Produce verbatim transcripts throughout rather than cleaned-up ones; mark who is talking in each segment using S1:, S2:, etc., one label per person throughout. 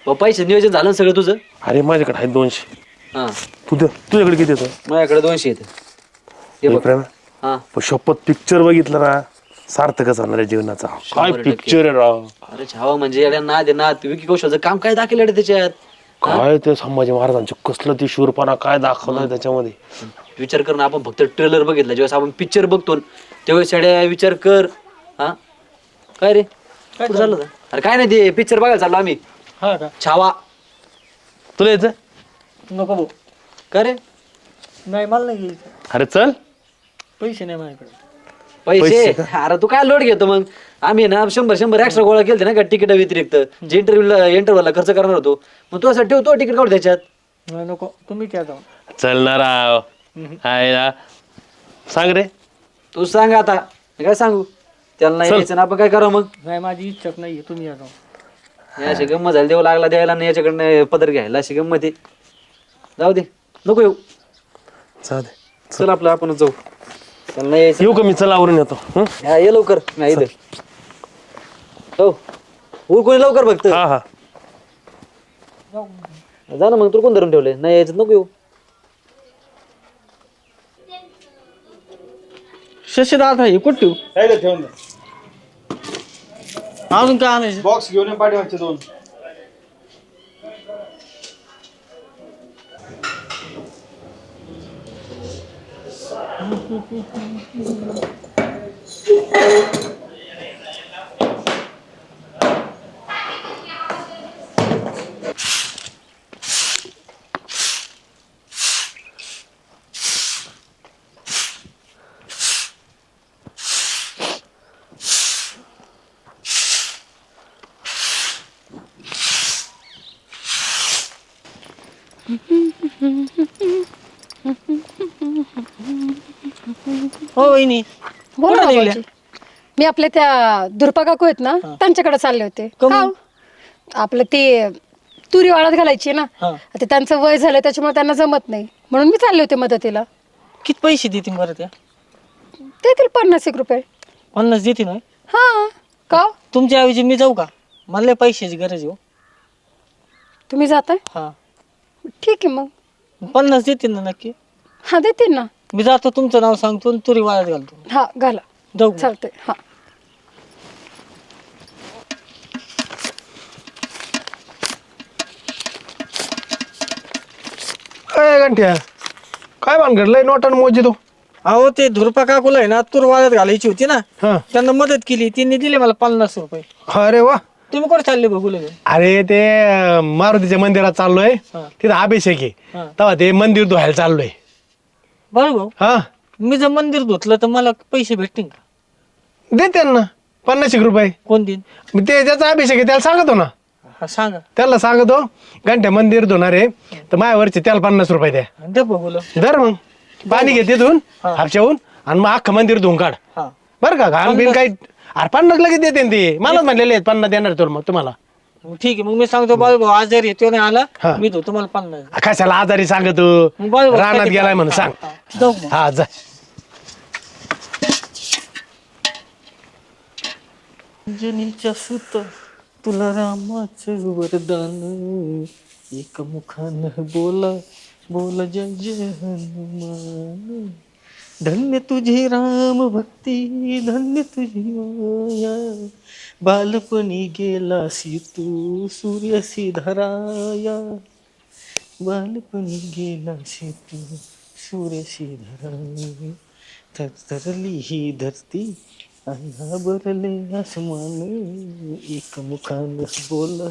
S1: पैसे नियोजन झालं ना सगळं तुझं?
S2: अरे माझ्याकडे आहे दोनशे.
S1: हा
S2: तू तुझ्याकडे किती येतं?
S1: माझ्याकडे दोनशे येते. हे बघ.
S2: प्रेम
S1: हा
S2: शपथ पिक्चर बघितलं ना सार्थकच होणार आहे जीवनाचा. काय
S1: शंभर टक्के.
S2: पिक्चर आहे राव.
S1: अरे छावा म्हणजे येड्या नाद आहे नाद. विकी कौशलचं काम काय दाखवलं रे त्याच्यात?
S2: काय ते संभाजी महाराजांचं कसलं ती शूरपणा काय दाखवलाय त्याच्यामध्ये.
S1: विचार कर ना, आपण फक्त ट्रेलर बघितला, ज्यावेळेस आपण पिक्चर बघतो त्यावेळेस येड्या विचार कर. हा काय रे काय झालं होतं? अरे काय नाही, ते पिक्चर बघायला चाललो आम्ही.
S3: हा का?
S1: छावा.
S2: तुला यायचं?
S3: नको भाऊ.
S1: काय रे
S3: नाही मला नाही घ्यायचं.
S2: अरे चल.
S3: पैसे नाही माझ्याकडे.
S1: पैसे? अरे तू काय लोड घेतो मग? आम्ही ना शंभर शंभर एक्स्ट्रा गोळा केलते ना का तिकीट व्यतिरिक्त, जे इंटरव्ह्यूला इंटरव्ह्यूला खर्च करणार होतो. मग तू असं ठेवतो तिकीट काढू त्याच्यात.
S3: नाही नको, तुम्ही क्या जाऊ.
S2: चल ना राव. आहे ना. सांग रे.
S1: तू सांग आता. मी काय सांगू? त्याला नाही
S2: चल.
S1: यायचं ना, आपण काय करावं मग?
S3: नाही माझी इच्छाच नाहीये, तुम्ही या जाऊ.
S1: अशी गंमत झाली, देऊ लागला द्यायला नाही याच्याकडनं पदर घ्यायला, अशी गंमत आहे. जाऊ दे, नको येऊ.
S2: चालेल.
S1: चल आपलं आपणच जाऊ. त्याला नाही यायचं.
S2: येऊ का मी? चल आवरून येतो. हं?
S1: हा, ये लवकर. नाही इथं. हो कोणी लवकर बघत.
S2: हा हा.
S1: जा ना मग, तू कोण धरून ठेवले? नाही यायचं नको येऊ.
S3: शशी दादा हे कुठं ठेवू?
S4: काय ठेवून द्या.
S3: अजून काय आणायचं?
S4: बॉक्स घेऊन ये पाठीमागचे दोन.
S3: हो वहिनी.
S5: बोला
S3: कुठं
S5: ना
S3: निघल्या?
S5: भाऊजी. मी आपल्या त्या दुर्पा काकू आहेत ना त्यांच्याकडे चालले होते.
S3: का
S5: का
S3: म्हणून?
S5: हो? आपलं ते तुरी वाळत घालायची ना,
S3: हा.
S5: आता त्यांचं वय झालं त्याच्यामुळे त्यांना जमत नाही, म्हणून मी चालले होते मदतीला.
S3: किती पैसे देतील बरं त्या?
S5: देतील पन्नास एक रुपये.
S3: पन्नास देतील ना?
S5: हा का हो?
S3: तुमच्या ऐवजी मी जाऊ का? मला लय पैशाची गरज आहे हो.
S5: तुम्ही जाताय?
S3: हा.
S5: ठीक आहे मग.
S3: पन्नास देतील ना नक्की?
S5: हा देतील ना.
S3: मी जातो, तुमचं नाव सांगतो आणि तुरी वाळत घालतो.
S5: हा घाला.
S3: जाऊ का?
S5: चालतंय. हा
S2: काय घंट्या काय भानगडलंय नोटान मोजी तो.
S3: अहो ते धुरपा काकूला आहे ना तूर वाळत घालायची होती ना,
S2: हा.
S3: त्यांना मदत केली, त्यांनी दिले मला पन्नास रुपये.
S2: अरे वा.
S3: तुम्ही कुठे चालले बघू लगे?
S2: अरे ते अं, मारुतीच्या मंदिरात चाललोय.
S3: हा.
S2: तिथं अभिषेक आहे.
S3: हा.
S2: तेव्हा ते मंदिर धुवायला चाललोय.
S3: बरं भाऊ,
S2: हा
S3: मी जर मंदिर धुतलं तर मला पैसे भेटतील का?
S2: देते ना पन्नास एक रुपये.
S3: कोण देईन?
S2: मी ते ज्याचा अभिषेक आहे त्याला सांगतो ना.
S3: हा सांगा.
S2: त्याला सांगतो घंट्या मंदिर धुणार आहे तर माझ्यावरचे त्याला पन्नास रुपये द्या.
S3: दे बघूला.
S2: धर मग पाणी घे तिथून हापशाहून आणि मग अख्खं मंदिर धुवून काढ.
S3: हा
S2: बरं का घाण बिन काही. अरे पन्नास लगेच देते ना ते. मलाच म्हणलेले आहेत पन्नास देणार तुला. मग तुम्हाला
S3: मग ठीक आहे, मग मी सांगतो बाळू भाऊ आजारी आहे, तो नाही आला,
S2: हा.
S3: मी तो तुम्हाला पन्नास.
S2: कशाला आजारी सांगतो.
S3: मग बाळू भाऊ
S2: रानात
S3: कधी
S2: गेलाय म्हणून
S3: हा,
S2: सांग.
S3: हा. जाऊ मग.
S2: हा जा.
S3: अंजनीच्या सुत तुला रामाचं वरदान, एक मुखानं बोला बोला जय जय हनुमान. धन्य तुझी राम भक्ती, धन्य तुझी माया, बालपणी गेलासी तू सूर्यसी धराया, बालपणी गेलासी तू सूर्यसी धराया. थरथरली ही धरती अन्ना बरले आसमान, एक मुखानं बोला.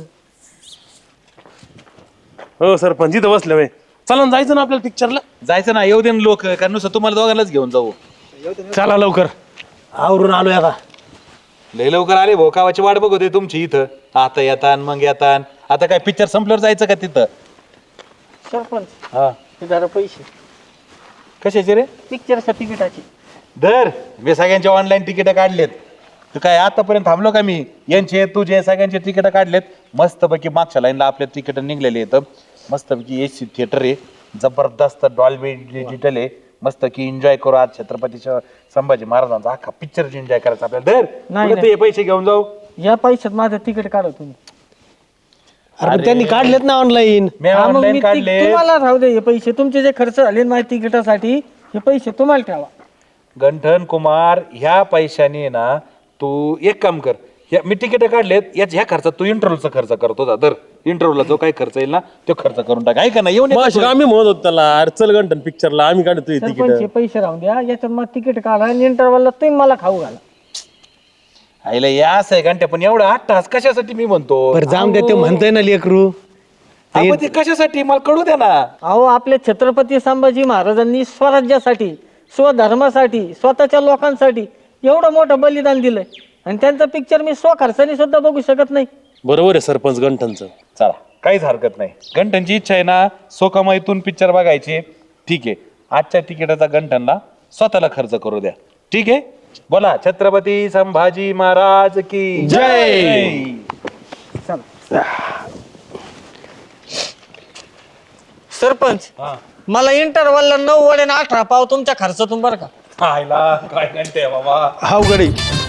S2: हो सरपंच इथं बसले वय. चला ना जायचं ना आपल्याला पिक्चरला.
S6: जायचं ना, येऊ दे ना लोक, कारण नुसतं तुम्हाला दोघांनाच घेऊन जाऊ.
S2: चला लवकर आवरून आलोय आता.
S6: लय लवकर आले भाऊ, कावाची वाट बघत होते तुमची इथं. आता येतान मग येतान. आता काय पिक्चर संपल्यावर जायचं का तिथं?
S3: सरपंच
S6: हा
S3: हे जरा पैसे
S6: कशाचे रे?
S3: पिक्चरच्या तिकिटाची.
S6: दर मी सगळ्यांचे ऑनलाईन तिकीट काढलेत. तू काय आतापर्यंत थांबलो का मी? यांचे तुझे सगळ्यांचे तिकीट काढलेत. मस्तपैकी मागच्या लाईनला आपल्या तिकीट निघलेले आहेत. मस्तपैकी एसी थिएटर आहे, जबरदस्त डॉल्बी डिजिटल आहे. मस्त की एन्जॉय करू आज छत्रपती संभाजी महाराजांचा अख्खा पिक्चर एन्जॉय करायचा आपल्याला. दर
S3: नाही,
S6: पुढे तू हे पैसे घेऊन जाऊ.
S3: या पैशात माझं तिकीट काढा तुम्ही.
S2: अरे पण त्यांनी काढलेत ना ऑनलाईन.
S6: मी
S3: हा, मग
S6: ऑनलाईन
S3: मी
S6: काढले.
S3: ती- तुम्हाला राहू दे हे पैसे तुमचे जे खर्च झाले ना माझ्या तिकिटासाठी हे पैसे तुम्हाला ठेवा.
S6: गंठन कुमार, ह्या पैशाने ना तू एक काम कर, ह्या मी तिकीट काढलेत, याच ह्या खर्चात तू इंटरव्ह्यूचा खर्च करतो जा. तर इंटरव्ह्यूला जो काही खर्च येईल ना तो खर्च करून टाक, आहे का नाही? येऊन येतो
S7: मग
S6: तू.
S7: आम्ही म्हणत होतो त्याला, अरे चल गंठन पिक्चरला, आम्ही काढतोय
S3: सरपंच
S7: तिकीट.
S3: हे पैसे राहून द्या याच्यात मग तिकीट काढा आणि इंटरव्हलला तुम्ही मला खाऊ घाला.
S6: आईला या असं आहे घंट्या, पण एवढं आठ तास कशासाठी मी म्हणतो?
S2: बरं जाऊन द्या, ते म्हणतोय ना लेकरू.
S6: आपण ते कशासाठी मला कळू द्या ना.
S3: अहो आपले छत्रपती संभाजी महाराजांनी स्वराज्यासाठी, स्वधर्मासाठी, स्वतःच्या लोकांसाठी एवढं मोठं बलिदान दिलंय आणि त्यांचं पिक्चर मी स्वखर्चाने सुद्धा बघू शकत नाही.
S7: बरोबर आहे सरपंच गंठनचं.
S6: चला काहीच हरकत नाही. गंठनची इच्छा आहे ना सोकामाईतून पिक्चर बघायची, ठीक आहे. आजच्या तिकिटाचा गंठनला स्वतःला खर्च करू द्या, ठीक आहे. बोला छत्रपती संभाजी महाराज की जय.
S3: सरपंच मला इंटरव्हलला नऊ वडे अठरा पाव तुमच्या खर्चातून बरं का.
S6: आयला काय घंटे बाबा.
S2: हाव गडी